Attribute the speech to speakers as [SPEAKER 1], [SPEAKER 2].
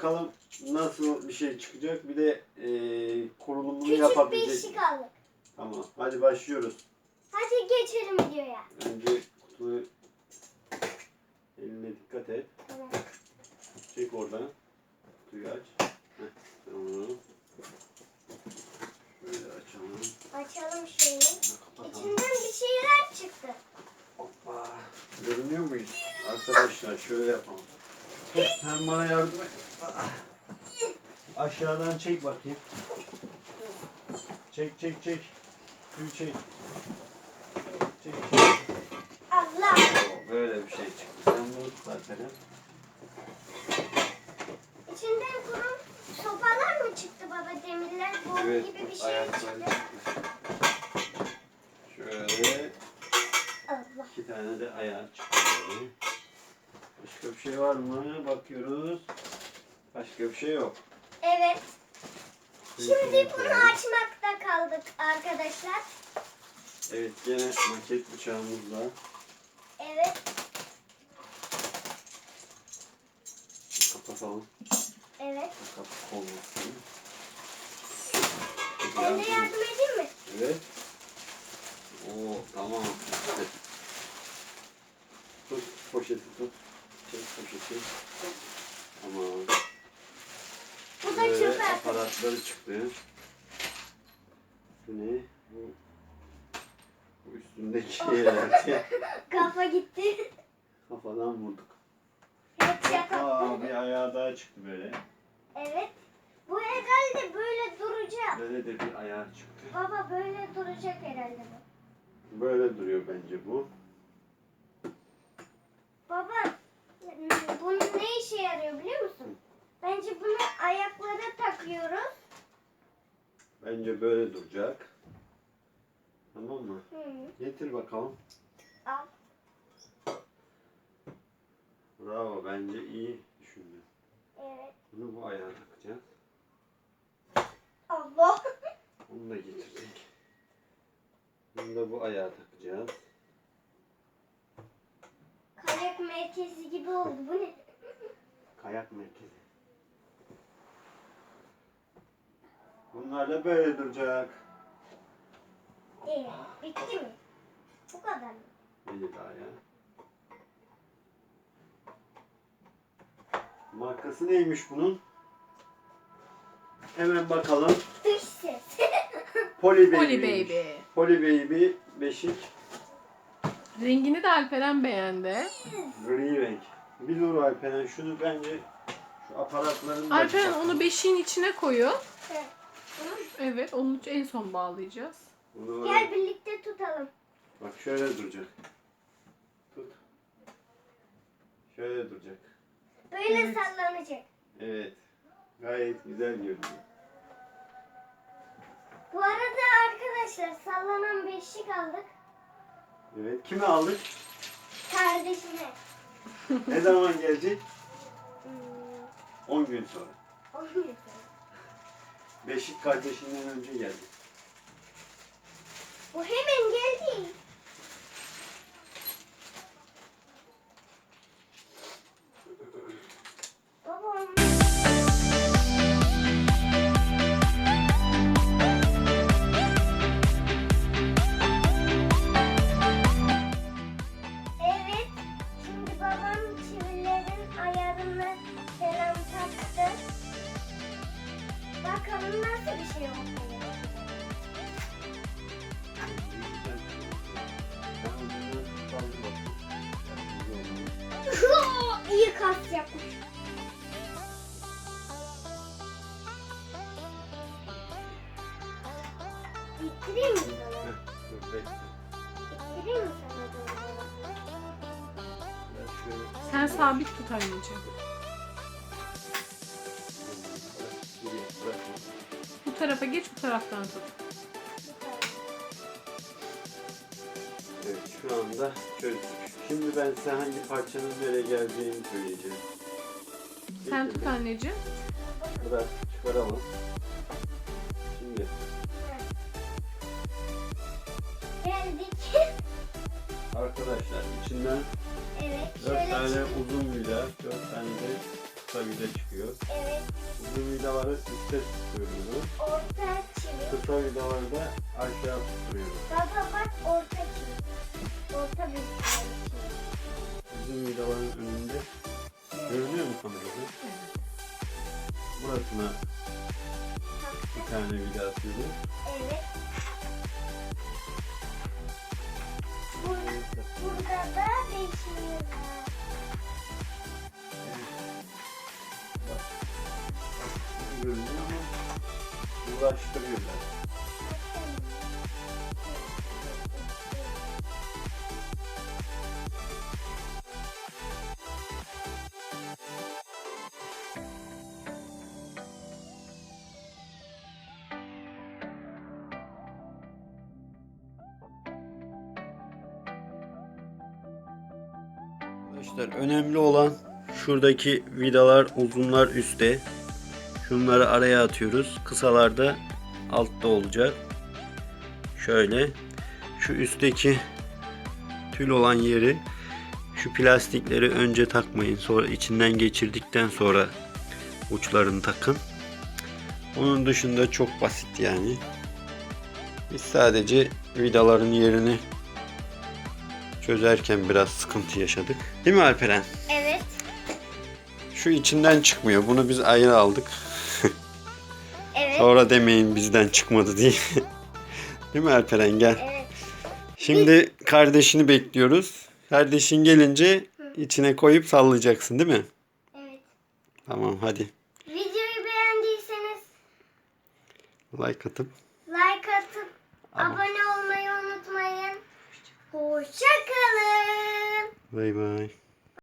[SPEAKER 1] bakalım nasıl bir şey çıkacak. Bir de kurulumunu
[SPEAKER 2] Küçük
[SPEAKER 1] yapabilecek.
[SPEAKER 2] bir işi kaldı.
[SPEAKER 1] Tamam. Hadi başlıyoruz.
[SPEAKER 2] Hadi geçelim videoya.
[SPEAKER 1] Önce kutuyu eline dikkat et.
[SPEAKER 2] Tamam.
[SPEAKER 1] Çek oradan. Kutuyu aç. Heh, tamam. Böyle açalım.
[SPEAKER 2] Açalım şöyle.
[SPEAKER 1] Kapatalım.
[SPEAKER 2] İçinden bir şeyler çıktı.
[SPEAKER 1] Hoppa. Görünüyor muyuz? Arkadaşlar şöyle yapalım. Sen bana yardım et. Aşağıdan çek bakayım. Çek. Suyu çek. Çek.
[SPEAKER 2] Allah.
[SPEAKER 1] Böyle bir şey çıktı. Sen bunu tut zaten.
[SPEAKER 2] İçinden kuru sopalar mı çıktı baba, demirler? Bu
[SPEAKER 1] Evet.
[SPEAKER 2] gibi bir şey
[SPEAKER 1] Ayakları
[SPEAKER 2] çıktı.
[SPEAKER 1] çıktı. Şöyle
[SPEAKER 2] Allah.
[SPEAKER 1] 2 tane de ayağı çıktı. Böyle. Başka bir şey var mı? Bakıyoruz. Başka bir şey yok.
[SPEAKER 2] Evet. Şimdi bunu açmakta kaldık arkadaşlar.
[SPEAKER 1] Evet, gene maket bıçağımızla.
[SPEAKER 2] Evet.
[SPEAKER 1] Kapatalım.
[SPEAKER 2] Evet.
[SPEAKER 1] Kapak olmasın.
[SPEAKER 2] Ben de yardım edeyim mi?
[SPEAKER 1] Evet. Oo, tamam. Tut poşeti tut. Çek poşeti. Tamam.
[SPEAKER 2] Bu da
[SPEAKER 1] Böyle
[SPEAKER 2] çöpe atın.
[SPEAKER 1] aparatları çıktı. Bu ne? Bu üstündeki herhalde.
[SPEAKER 2] Kafa gitti.
[SPEAKER 1] Kafadan vurduk.
[SPEAKER 2] Evet, şaka.
[SPEAKER 1] Aa, bir ayağı daha çıktı böyle.
[SPEAKER 2] Evet. Bu herhalde böyle duracak.
[SPEAKER 1] Böyle de bir ayağı çıktı.
[SPEAKER 2] Baba böyle duracak herhalde bu.
[SPEAKER 1] Böyle duruyor bence bu.
[SPEAKER 2] Baba, bunun ne işe yarıyor biliyor musun? Bence bunu ayaklara takıyoruz.
[SPEAKER 1] Bence böyle duracak. Tamam mı?
[SPEAKER 2] Hı.
[SPEAKER 1] Getir bakalım.
[SPEAKER 2] Al.
[SPEAKER 1] Bravo, bence iyi düşündün.
[SPEAKER 2] Evet.
[SPEAKER 1] Bunu bu ayağa takacağız.
[SPEAKER 2] Allah.
[SPEAKER 1] Onu da getirdik. Bunu da bu ayağa takacağız.
[SPEAKER 2] Kayak merkezi gibi oldu. Bu ne?
[SPEAKER 1] Kayak merkezi. Bunlar da böyle duracak.
[SPEAKER 2] Bitti mi? Bu kadar mı?
[SPEAKER 1] Bir daha ya. Markası neymiş bunun? Hemen bakalım.
[SPEAKER 2] Dış ses.
[SPEAKER 1] Poly Baby.
[SPEAKER 3] Poly Baby.
[SPEAKER 1] Poly Baby beşik.
[SPEAKER 3] Rengini de Alperen beğendi.
[SPEAKER 1] Gri renk. Bir dur Alperen, şunu bence şu aparatların da
[SPEAKER 3] Alperen
[SPEAKER 1] bakalım.
[SPEAKER 3] onu beşiğin içine koyuyor.
[SPEAKER 2] Evet.
[SPEAKER 3] Evet, onu en son bağlayacağız.
[SPEAKER 1] Bunu
[SPEAKER 2] Gel birlikte tutalım.
[SPEAKER 1] bak şöyle duracak. Tut. Şöyle duracak.
[SPEAKER 2] Böyle
[SPEAKER 3] Evet.
[SPEAKER 2] sallanacak.
[SPEAKER 1] Evet. Gayet güzel görünüyor.
[SPEAKER 2] Bu arada arkadaşlar sallanan beşik aldık.
[SPEAKER 1] Evet. Kime aldık?
[SPEAKER 2] Kardeşime.
[SPEAKER 1] Ne zaman gelecek?
[SPEAKER 2] Hmm,
[SPEAKER 1] 10 gün sonra.
[SPEAKER 2] onu yapalım.
[SPEAKER 1] Beşik kardeşinden önce geldi.
[SPEAKER 2] Bu hemen geldi. Babam. Evet. Şimdi babam çivilerin ayarını falan taktı. Bakalım nasıl bir şey oldu. İyi kas yapmış. İttireyim mi sana? İttireyim mi sana doğru?
[SPEAKER 3] Sen sabit tut anneciğim. Bu tarafa geç, bu taraftan tut.
[SPEAKER 1] Evet, şu anda çözdük. Şimdi ben size hangi parçanın nereye geleceğini söyleyeceğim.
[SPEAKER 3] Sen tut anneciğim.
[SPEAKER 1] Biraz çıkaralım. Şimdi
[SPEAKER 2] Geldik.
[SPEAKER 1] arkadaşlar içinden
[SPEAKER 2] Evet.
[SPEAKER 1] 4
[SPEAKER 2] Şöyle
[SPEAKER 1] tane uzun vida, 4 tane de kısa kısa vida çıkıyor.
[SPEAKER 2] Evet.
[SPEAKER 1] Uzun vidaları üstte tutuyoruz.
[SPEAKER 2] Orta çivi.
[SPEAKER 1] Kısa vidaları da aşağı tutuyoruz.
[SPEAKER 2] Baba bak orta çivi. Orta bir çivi.
[SPEAKER 1] Uzun vidaların önünde görünüyor mu kamerada? Burasına bir tane vida atıyoruz.
[SPEAKER 2] Evet. Burada da 5 vida.
[SPEAKER 1] Bak, görünüyor ama uğraştırıyorlar. Arkadaşlar önemli olan şuradaki vidalar, uzunlar üstte. Şunları araya atıyoruz. Kısalar da altta olacak. Şöyle şu üstteki tül olan yeri, şu plastikleri önce takmayın. Sonra içinden geçirdikten sonra uçlarını takın. Onun dışında çok basit yani. Biz sadece vidaların yerini çözerken biraz sıkıntı yaşadık. Değil mi Alperen?
[SPEAKER 2] Evet.
[SPEAKER 1] Şu içinden çıkmıyor. Bunu biz ayrı aldık.
[SPEAKER 2] Evet.
[SPEAKER 1] Sonra demeyin bizden çıkmadı diye. Değil mi Alperen? Gel.
[SPEAKER 2] Evet.
[SPEAKER 1] Şimdi kardeşini bekliyoruz. Kardeşin gelince içine koyup sallayacaksın değil mi?
[SPEAKER 2] Evet.
[SPEAKER 1] Tamam hadi.
[SPEAKER 2] Videoyu beğendiyseniz
[SPEAKER 1] Like atıp.
[SPEAKER 2] like atıp abone olmayı unutmayın. Hoşça kalın.
[SPEAKER 1] Bay bay.